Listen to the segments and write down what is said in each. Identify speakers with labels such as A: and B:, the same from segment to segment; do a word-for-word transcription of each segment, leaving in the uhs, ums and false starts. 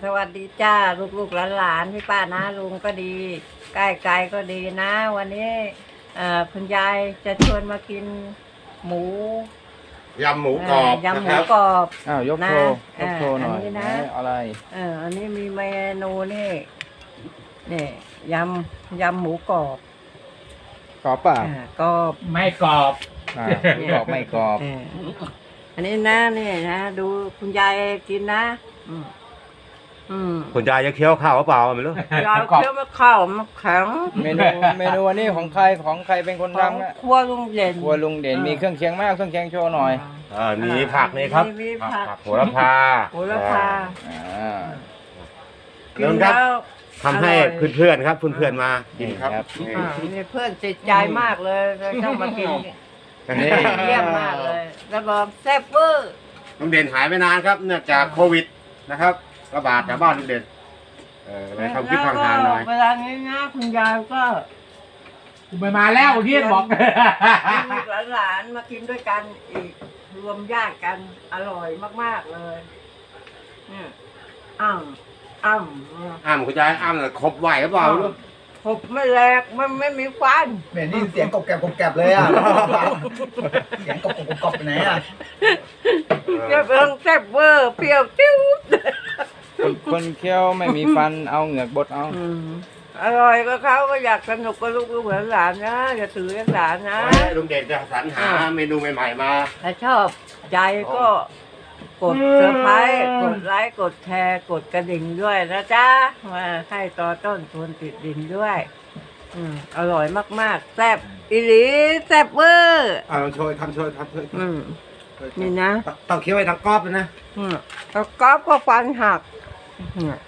A: สวัสดีจ้าลูกๆหลานๆพี่ป้านะลุงก็ดีใกล้ไกลก็ดีนะ วันนี้เอ่อคุณยายจะชวนมากินหมู
B: ยำหมูกรอบ
A: เยำหมู
B: นะครับ
A: กรอบ
C: อ้าวยก
A: นะ
C: โชว์ยกโชว์หน่อย
A: อันนี้นะ
C: ไหอะไร
A: เอออันนี้มีเมนูนี่นี่ยำยำหมูกรอบ
C: กรอบเปล่า
A: อ่ากรอบ
D: ไม่กรอบ
C: อ่าไม่กรอบไม่กรอบ
A: เอออันนี้นะนี่นะดูคุณยายกินนะอืมอืม
B: คุณยายจะเคี้ยวข้าวหรือเปล่าไม่รู้
A: ยายเคี้ยวมะข้าวมะแข็ง
C: เมนูเมนูอันนี้ของใครของใครเป็นคน
A: ของ
C: ทำนะ
A: ครัวลุงเด่น
C: ครัวลุงเด่นมีเครื่องเคียงมากเครื่องเคียงโชว์หน่อย
B: อ่ามีผักนี่ครับ
A: มีผัก
B: โหระพา
A: โหระพา
C: อ่า
A: กินแล้ว
B: ทำให้เพื่อนๆครับเพื่อนๆมากินครับ
A: อ่านี่เพื่อนติดใจมากเลยต้องมากิน
C: นี่
A: เยี่ยมมากเลยแล้วบอกแซ่บเวอร์
B: ลุงเด่นหายไปนานครับเนื่องจากโควิดนะครับระบาดแถวบ้านลุงเด่นเออเลยทำคลิปห่างๆหน่อย
A: เวลานี้นะคุณยายก็
D: กูไปมาแล้วเฮียนบอก
A: ลูกหลานๆมากินด้วยกันอีกรวมญาติกันอร่อยมากๆเลยเนี่ยอ้ำอ้ำ
B: อ้ามคุณยายอ้ามเลยครบไหวหรือเปล่าไม่รู้
A: ผมไม่แหลกมันไม่มีควัน
E: เหม็นนี่เสียงกบแกบกบแกบเลยอ่ะ เสียงกบกบกบกบไปไหนอ่ะ
A: เจ้าเพิ่งแซ่บเวอร์เปรี้ยวติ้ว
C: คนคนเคี้ยวไม่มีฟันเอาเหงือกบดเอา
A: อืมอร่อยก็เขาก็อยากสนุกกับลูกลูกหลานๆนะอย่าถือหลานนะ
B: ไว้ลุงเด่นจะสรรหาเมนูใหม่ๆมา
A: ถ้าชอบใจก็กดเซอร์ไพรส์กดไลค์กดแชร์กดกระดิ่งด้วยนะจ๊ะมาให้ต่อต้นชวนติดดินด้วยอืมอร่อยมากๆแซ่บอีหลีแซ่บเวอร์
B: อ่าลองโชยทำโชยทำโชย
A: อืมนี่นะ
B: ต้องเคี้ยวไว้ทั้งกรอบเลยนะ
A: อืมแล้วก๊อฟก็ฟันหักอืม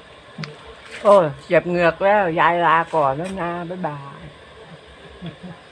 A: โอ้ยเจ็บเหงือกแล้ว ยายลาก่อนแล้วนะ บ๊ายบาย